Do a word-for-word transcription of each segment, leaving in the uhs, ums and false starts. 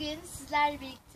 Bugün sizlerle birlikte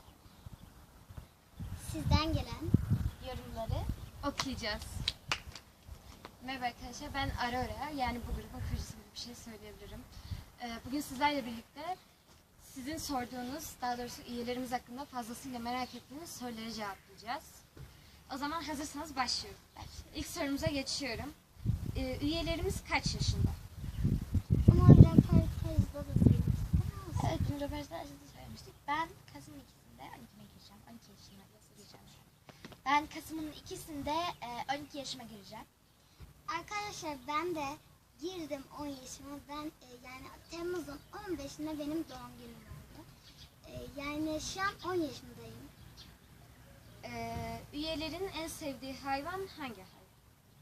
sizden gelen yorumları okuyacağız. Merhaba arkadaşlar, ben Aurora, yani bu grubun kurucusu gibi bir şey söyleyebilirim. Bugün sizlerle birlikte sizin sorduğunuz, daha doğrusu üyelerimiz hakkında fazlasıyla merak ettiğiniz soruları cevaplayacağız. O zaman hazırsanız başlıyorum. İlk sorumuza geçiyorum. Üyelerimiz kaç yaşında? Ama röportajda da söylemiştik. Evet, röportajda söylemiştik. Ben Kasım'ın ikisinde on ikime gireceğim. on iki yaşıma gireceğim. Ben Kasım'ın ikisinde on iki yaşıma gireceğim. Arkadaşlar ben de girdim on yaşıma. Ben e, yani Temmuz'un on beşinde benim doğum günüm oldu. E, yani şu an on yaşındayım. Ee, üyelerin en sevdiği hayvan hangi hayvan?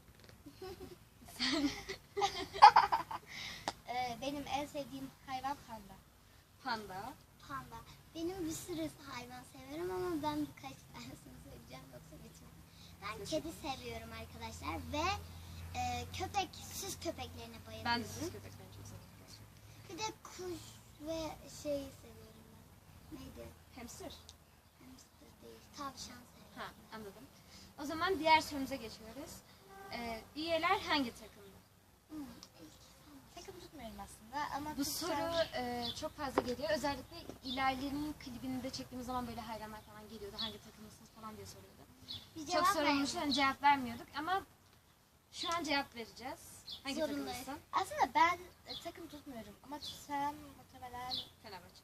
e, benim en sevdiğim hayvan panda. Panda. Panda. Benim bir sürü hayvan severim ama ben birkaç tanesini seveceğim, yoksa bitmez. Ben kedi seviyorum arkadaşlar ve e, köpek, süs köpeklerine bayılıyorum. Ben de süs köpeklerini çok seviyorum. Bir de kuş ve şey seviyorum ben. Neydi? Hamster. Hamster değil, tavşan seviyorum. Ha, anladım. O zaman diğer sorumuza geçiyoruz. Ee, üyeler hangi takımda? Hmm. Takım tutmuyorum aslında ama Bu tutsam... soru e, çok fazla geliyor. Özellikle İlahilerin klibini de çektiğimiz zaman böyle hayranlar falan geliyordu. Hangi takımlısınız falan diye soruyordu. Bir Çok sorulmuş, hani cevap vermiyorduk ama şu an cevap vereceğiz. Hangi takımlısın? Aslında ben e, takım tutmuyorum ama tutsam muhtemelen Fenerbahçe.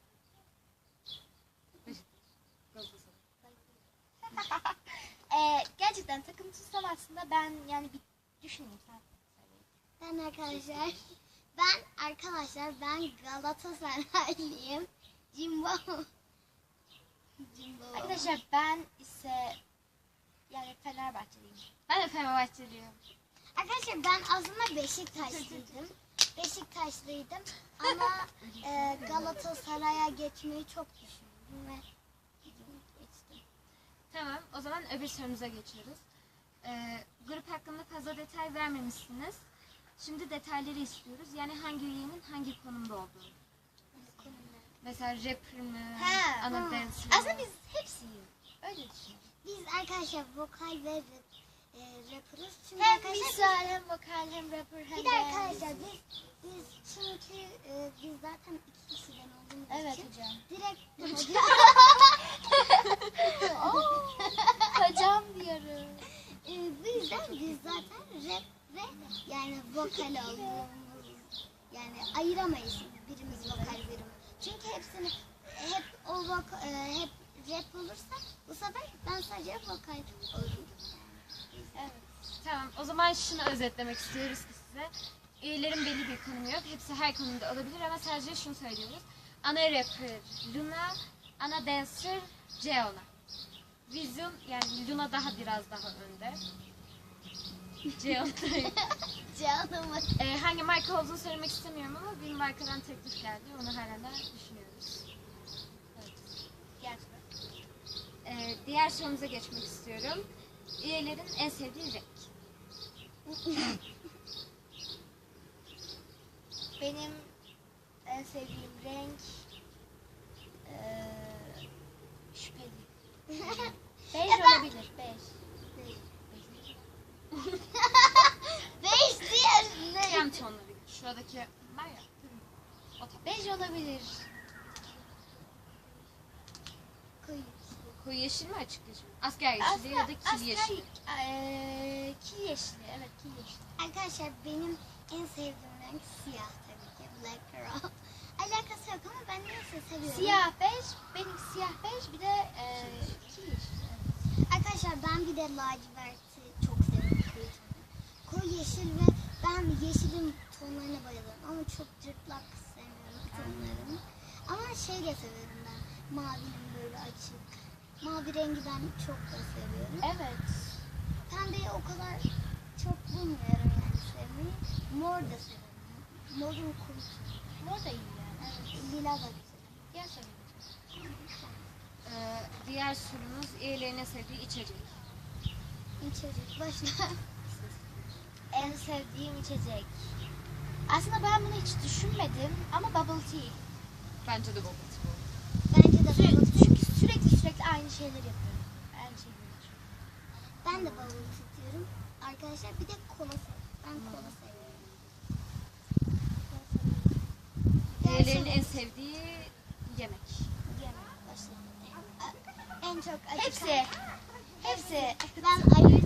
Galatasaray. e, gerçekten takım tutsam aslında ben yani bir düşüneyim sen. Ben arkadaşlar ben arkadaşlar ben Galatasaraylıyım. Jimbo. Jimbo. Arkadaşlar ben ise yani Fenerbahçeliyim. Ben de Fenerbahçeliyim. Arkadaşlar ben aslında Beşiktaşlıydım. Beşiktaşlıydım ama e, Galatasaray'a geçmeyi çok düşündüm ve geçtim. Tamam, o zaman öbür sorumuza geçiyoruz. Ee, grup hakkında fazla detay vermemişsiniz. Şimdi detayları istiyoruz. Yani hangi üyenin hangi konumda olduğunu. Mesela rapper mı, Ha, ana ha. dancer. Aslında biz hepsiyiz. Öyle düşünüyorum. Biz arkadaşlar vokal ve rap, e, rapper'ız. Çünkü hem vokal hem vokal hem rapper hem de... Bir de arkadaşlar biz, biz çünkü e, biz zaten iki kişiden olduğumuz evet, için... Evet hocam. Direkt hocam. Hocam diyorum. E, bu yüzden biz zaten rap ve yani vokal olduğumuz, yani ayıramayız birimiz vokal birimiz. Çünkü hepsini hep o vokal, e, hep rap olursa bu sefer ben sadece vokal olurum. Evet. Tamam, o zaman şunu özetlemek istiyoruz ki size. Üyelerin belli bir konumu yok. Hepsi her konuda olabilir ama sadece şunu söylüyoruz. Ana rapper Luna, ana dancer Ceona. Vizyon, yani Luna daha biraz daha önde. Ceona. Ceona mı? Ee, hangi marka olduğunu söylemek istemiyorum ama bir markadan teklif geldi. Onu hala düşünüyoruz. Evet. Diğer, ee, diğer sorumuza geçmek istiyorum. Üyelerin en sevdiği renk. Benim en sevdiğim renk ee, şüpheli. Bej olabilir. Bej. Bej. Bej diye ne? Krem tonları. Şuradaki var ya. O tabii. Bej olabilir. Koyu. Koyu yeşil mi, açık yeşil mi? Asker yeşili ya da kil yeşili. Ee, kil yeşili. Evet, kil yeşili. Arkadaşlar benim en sevdiğim renk siyah tabii ki. Black Girl. Alakası yok ama ben neyse seviyorum. Siyah bej. Benim siyah bej bir de e, kil yeşili. Evet. Arkadaşlar ben bir de laciverti çok seviyorum. Koyu, koyu yeşil ve ben yeşilin tonlarına bayılıyorum. Ama çok cırtlak sevmiyorum tonlarını. Ama şey de seviyorum ben. Mavinin böyle açık. Mavi rengi ben çok da seviyorum. Evet. Pembeyi o kadar çok bulmuyorum yani sevmeyi. Mor da seviyorum. Morun kurusu. Mor da iyi yani. Evet. Lila da güzel. Diğer sorumuz. Ee, diğer sorumuz üyelerine sevdiği içecek. İçecek. Başla. En sevdiğim içecek. Aslında ben bunu hiç düşünmedim ama bubble tea. Bence de bubble tea. Bence de Sü- bubble tea. çünkü sürekli sürekli aynı şeyleri yapıyorum. Aynı şeyleri yapıyorum. Ben de bubble tea diyorum. Arkadaşlar bir de kola seviyorum. Ben kola seviyorum. Kola seviyorum. Diğerlerinin en Gerçi- sevdiği yemek. Yemek başlayalım. En çok acıkan. Hepsi. Hepsi. Ben ayı